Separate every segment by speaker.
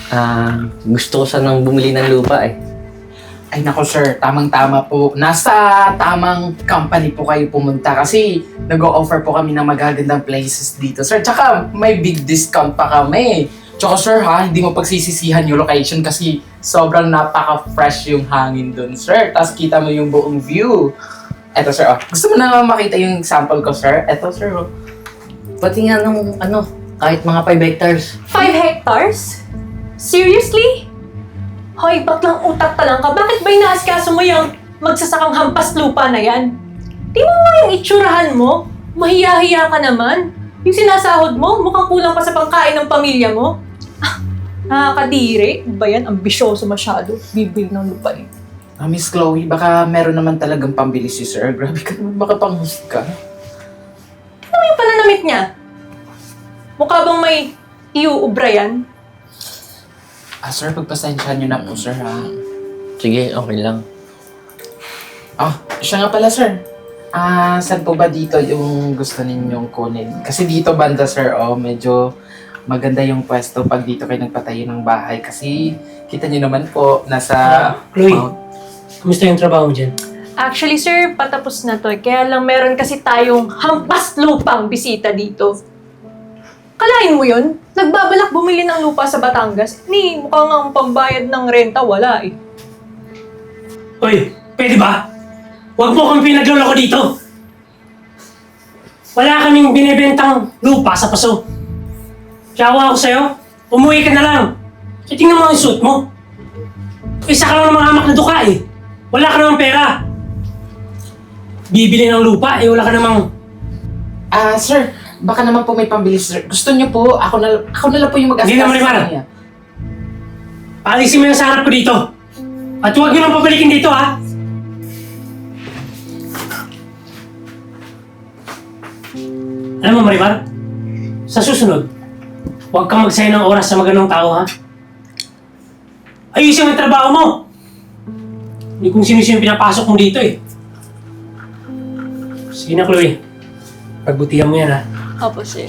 Speaker 1: Gusto ko sanang bumili ng lupa eh.
Speaker 2: Ay nako sir, tamang-tama po. Nasa tamang company po kayo pumunta kasi nag-o-offer po kami ng magagandang places dito sir. Tsaka may big discount pa kami. Tsaka sir ha, hindi mo pagsisisihan yung location kasi sobrang napaka-fresh yung hangin dun sir. Tapos kita mo yung buong view. Eto sir, oh. Gusto mo na makita yung sample ko sir? Eto sir, oh.
Speaker 1: Pati nga ng kahit mga 5 hectares.
Speaker 3: 5 hectares? Seriously? Hoy, baklang utak ka lang ka. Bakit ba inaasikaso mo yung magsasakang hampas lupa na yan? Di mo nga yung itsurahan mo? Mahiya-hiya ka naman. Yung sinasahod mo, mukhang kulang pa sa pangkain ng pamilya mo. Nakakadiri. Ba yan? Ambisyoso masyado. Bibili ng lupa eh.
Speaker 2: Miss Chloe, baka meron naman talagang pambili si sir. Grabe ka naman, baka panghusik ka.
Speaker 3: Ano yung pananamit niya? Mukha bang may iuubra yan?
Speaker 2: Sir, pagpasensyahan nyo na po sir ha.
Speaker 1: Sige, okay lang.
Speaker 2: Siya nga pala sir. Saan po ba dito yung gusto ninyong kunin? Kasi dito banda sir, medyo maganda yung pwesto pag dito kayo nagpatayo ng bahay. Kasi kita nyo naman po, nasa...
Speaker 4: Chloe, kumusta yung trabaho mo dyan?
Speaker 3: Actually, sir, patapos na to. Kaya lang meron kasi tayong hampas lupang bisita dito. Kalain mo yun? Nagbabalak bumili ng lupa sa Batangas. Mukhang ang pambayad ng renta, wala eh.
Speaker 4: Hoy, pwede ba? Huwag mo kami pinagloloko dito. Wala kaming binibentang lupa sa paso. Tiyawa ako sa'yo, umuwi ka na lang. E tingnan mo ang suit mo. Isa ka lang ng mga amak na duka eh. Wala ka namang pera. Bibili ng lupa wala ka namang...
Speaker 2: Sir, baka naman po may pambili sir. Gusto niyo po, ako na lang po yung mag-asikaso
Speaker 4: Hindi na, Marimar.
Speaker 2: kanya.
Speaker 4: Paalisin mo yung sa harap ko dito. At huwag nyo nang pabalikin dito ha. Alam mo Marimar, sa susunod, huwag kang magsayang ng oras sa maganong tao ha. Ayusin mo yung trabaho mo. Hindi kung sino-sino pinapasok mo dito eh. Sige na Chloe, pagbutihan mo yan ha.
Speaker 3: Opo, sir.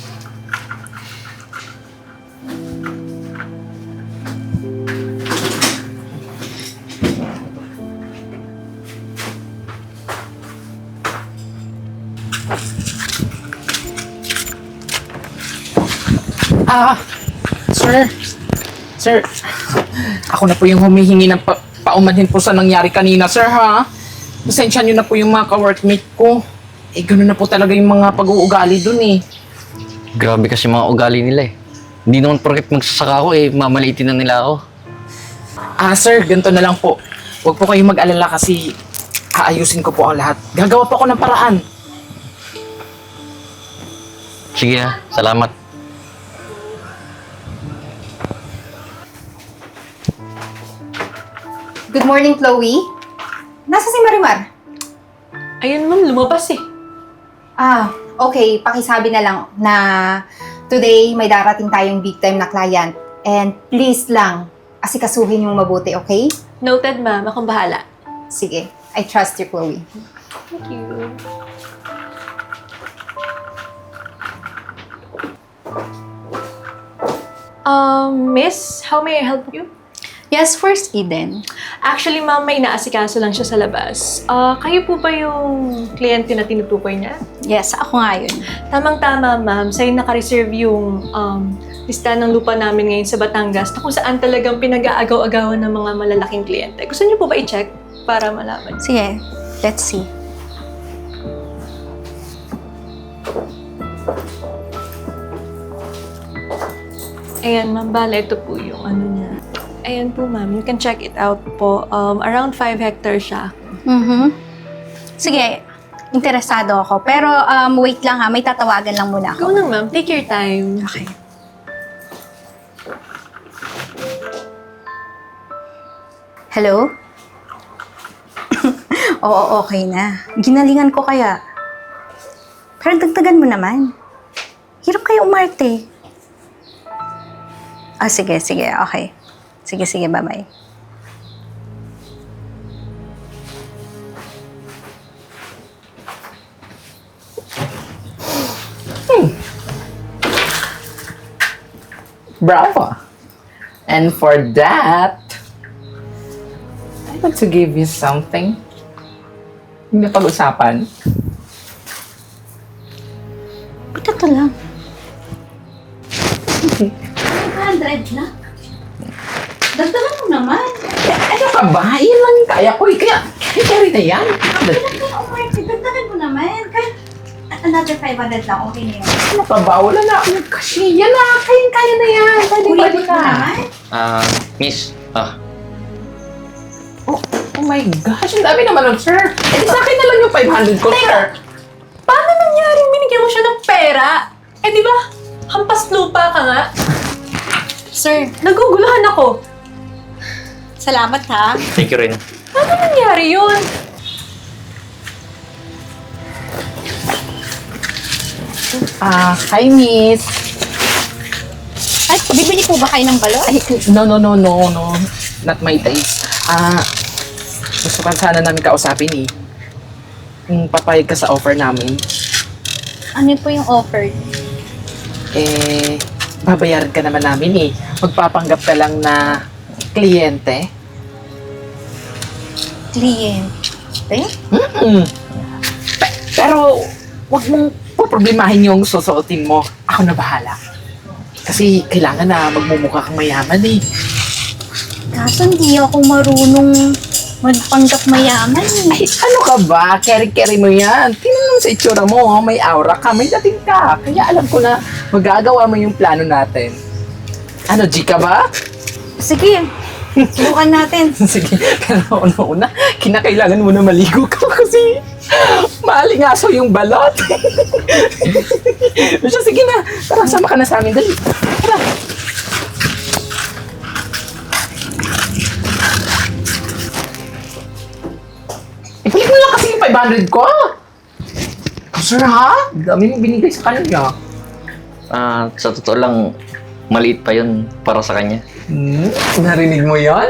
Speaker 2: Sir, ako na po yung humihingi ng paumanhin po sa nangyari kanina, sir, ha? Pasensya niyo na po yung mga ka-workmate ko. Gano'n na po talaga yung mga pag-uugali dun, eh.
Speaker 1: Grabe kasi mga ugali nila eh. Hindi naman porket magsasaka ako mamaliitin na nila ako.
Speaker 2: Sir, ganito na lang po. Huwag po kayong mag-alala kasi aayusin ko po ang lahat. Gagawa po ako ng paraan.
Speaker 1: Sige ha, salamat.
Speaker 5: Good morning, Chloe. Nasa si Marimar?
Speaker 3: Ayun ma'am, lumabas eh.
Speaker 5: Okay. Pakisabi na lang na today may darating tayong big time na client. And please lang, asikasuhin yung mabuti, okay?
Speaker 3: Noted ma'am, akong bahala.
Speaker 5: Sige, I trust you, Chloe.
Speaker 3: Thank you. Miss, how may I help you?
Speaker 6: Yes, First Eden.
Speaker 3: Actually, ma'am, may inaasikaso lang siya sa labas. Kayo po ba yung kliyente na tinutukoy niya?
Speaker 6: Yes, ako nga yun.
Speaker 3: Tamang-tama, ma'am. Sa'yo naka-reserve yung listahan ng lupa namin ngayon sa Batangas na kung saan talagang pinag-aagaw-agawan ng mga malalaking kliyente. Gusto niyo po ba i-check para malaman?
Speaker 6: Sige, let's see.
Speaker 3: Ayan, ma'am. Bala, ito po yung ano niya. Ayan po, ma'am. You can check it out po. Around 5 hectares siya.
Speaker 6: Sige, interesado ako. Pero wait lang ha, may tatawagan lang muna
Speaker 3: Go
Speaker 6: ako.
Speaker 3: na, ma'am. Take your time.
Speaker 6: Okay. Hello? Oo, okay na. Ginalingan ko kaya. Pero dagdagan mo naman. Hirap kayo umarte. Sige, okay. Sige, bye-bye.
Speaker 2: Bravo. And for that, I want to give you something. Hindi pag-usapan.
Speaker 6: Ito to lang. 500 na? Dagdagan mo naman.
Speaker 2: Ano ka ba? Yan lang yung kaya ko. Kaya carry na yan.
Speaker 6: Kaya umarte, dagdagan mo naman. Kahit another 500 lang, okay na yun.
Speaker 2: Ano ka ba? Wala na akong kashiya na. Kaya na yan. Pwede
Speaker 6: Ulitin mo
Speaker 2: na.
Speaker 6: naman.
Speaker 1: Miss,
Speaker 2: Oh my gosh, ang dami naman nun, sir. Eh, sa akin na lang yung 500 ko, sir.
Speaker 3: Paano nangyaring binigyan mo siya ng pera? Eh di ba, hampas lupa ka nga.
Speaker 6: Sir,
Speaker 3: Naguguluhan ako.
Speaker 6: salamat ha.
Speaker 1: thank you rin.
Speaker 3: Paano nangyari yun?
Speaker 2: Hi, miss.
Speaker 6: Ay, bibili po ba kayo ng balon?
Speaker 2: Ay, no. Not my taste. Gusto ka sana namin kausapin eh. Kung papayag ka sa offer namin,
Speaker 6: Ano po yung offer?
Speaker 2: babayaran ka naman namin eh. Magpapanggap ka lang na kliyente.
Speaker 6: Kliyente?
Speaker 2: Pero, wag mong poproblemahin yung susuotin mo. Ako na bahala. Kasi kailangan na magmumukha kang mayaman eh.
Speaker 6: Kaso hindi ako marunong magpanggap mayaman eh.
Speaker 2: Ay, ano ka ba? Carry mo yan. Tingnan mo sa itsura mo. Oh. May aura ka, may dating ka. Kaya alam ko na magagawa mo yung plano natin. Ano, G ka ba?
Speaker 6: Sige, subukan natin.
Speaker 2: Sige, pero una-una, kinakailangan mo na maligo ka kasi maalingaso yung balot. Siya, sige na. Tara, sama ka na sa amin. Dali. Tara. Ibalik mo lang kasi yung 500 ko. Sir, ha? Dami mo binigay sa kanya.
Speaker 1: Sa totoo lang, maliit pa yun para sa kanya.
Speaker 2: Narinig mo yan?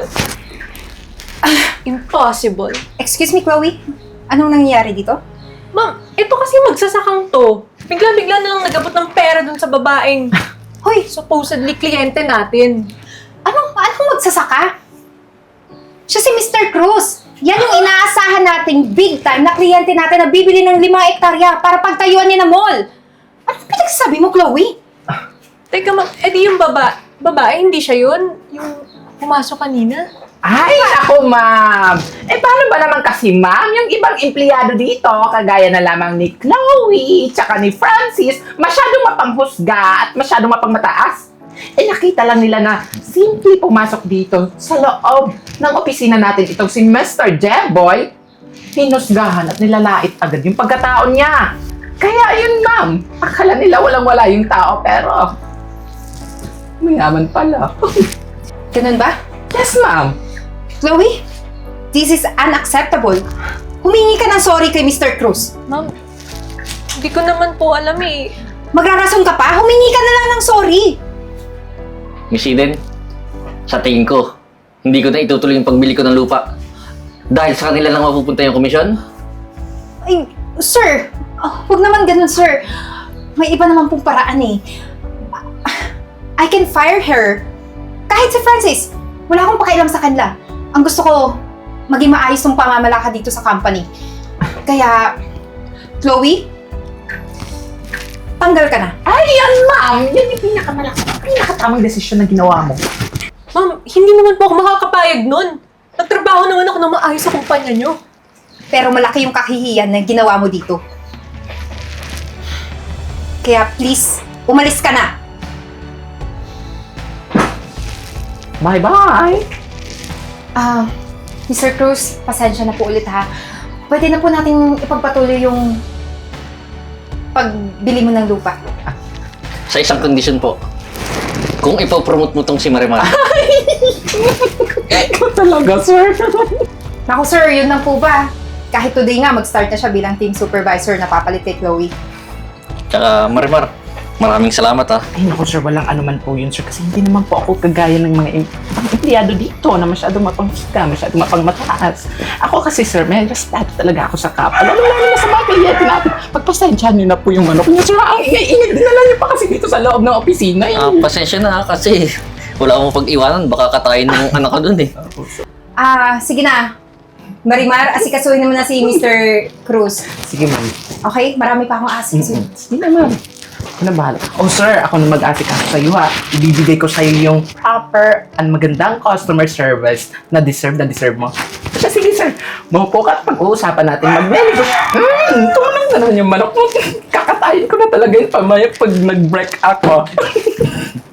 Speaker 3: Impossible.
Speaker 5: Excuse me, Chloe? Anong nangyayari dito?
Speaker 3: Ma'am, ito kasi magsasakang to. Bigla-bigla na lang nagabot ng pera dun sa babaeng
Speaker 5: Hoy,
Speaker 3: supposedly kliyente natin.
Speaker 5: anong magsasaka? Siya si Mr. Cruz. Yan yung inaasahan nating big time na kliyente natin na bibili ng 5 hektarya para pagtayuan niya ng mall. Anong pinagsasabi mo, Chloe?
Speaker 3: Teka ma'am, edi yung babae, hindi siya yun? Yung pumasok kanina?
Speaker 2: Ay, ako, ma'am. Paano ba naman kasi, ma'am? Yung ibang empleyado dito, kagaya na lamang ni Chloe, tsaka ni Francis, masyadong mapanghusga at masyadong mapangmataas. Nakita lang nila na simple pumasok dito sa loob ng opisina natin itong si Mr. Jeboy. Hinusgahan at nilalait agad yung pagkatao niya. Kaya yun, ma'am. Akala nila walang-wala yung tao, pero mayaman pala.
Speaker 5: Ganun ba?
Speaker 2: Yes, ma'am.
Speaker 5: Chloe, this is unacceptable. Humingi ka ng sorry kay Mr. Cruz.
Speaker 3: Ma'am, hindi ko naman po alam eh.
Speaker 5: Magrarason ka pa? Humingi ka na lang ng sorry.
Speaker 1: Miss Eden, sa tingin ko, hindi ko na itutuloy yung pagbili ko ng lupa. Dahil sa kanila lang mapupunta yung komisyon.
Speaker 5: Ay, sir, huwag naman ganun, sir. May iba naman pong paraan eh. I can fire her. Kahit si Francis, wala akong pakialam sa kanila. Ang gusto ko, maging maayos yung pamamalakad dito sa company. Kaya, Chloe, tanggal ka na.
Speaker 2: Ay, yan, ma'am. Yan yung pinakatamang desisyon na ginawa mo.
Speaker 3: Ma'am, hindi naman po ako makakapayag nun. Nagtrabaho naman ako ng maayos sa kumpanya nyo.
Speaker 5: Pero malaki yung kahihiyan na ginawa mo dito. Kaya please, umalis ka na.
Speaker 2: Bye-bye.
Speaker 5: Mr. Cruz, pasensya na po ulit ha. Pwede na po natin ipagpatuloy yung pagbili mo ng lupa.
Speaker 1: Sa isang kondisyon po, kung ipopromote mo tong si Marimar.
Speaker 2: Ikaw talaga, sir.
Speaker 5: Naku sir, yun lang po ba? Kahit today nga, mag-start na siya bilang team supervisor na papalit kay Chloe.
Speaker 1: Tsaka Marimar, maraming salamat ha.
Speaker 2: Ay, naku, sir. Walang anuman po yun, sir. Kasi hindi naman po ako kagaya ng mga empleyado dito na masyadong mapanghusga, masyadong mapangmataas. Ako kasi, sir, may respeto talaga ako sa kapwa. Lalo na sa mga kliyente natin. Pagpasensyahan niyo na po yung manok niyo, sir. Ang ingay-ingay din na lang niyo pa kasi dito sa loob ng opisina.
Speaker 1: Pasensya na ha, kasi Wala akong pag-iwanan, baka katayin ng anak ko dun eh.
Speaker 5: Sige na. Marimar, asikasuhin naman na si Mr. Cruz.
Speaker 2: Sige, ma'am.
Speaker 5: Okay? Marami pa akong asikasuhin.
Speaker 2: Sige na, ma'am. Ako na bahala. Oh, sir, ako na mag-asikaso sa iyo, ha. Ibibigay ko sa iyo yung proper and magandang customer service na deserve mo. Kaya sige, sir. Maupo ka at pag-uusapan natin mag-menu. Tumanong na naman yung manok mo. Kakatayin ko na talaga yung pamaya pag nag-break ako.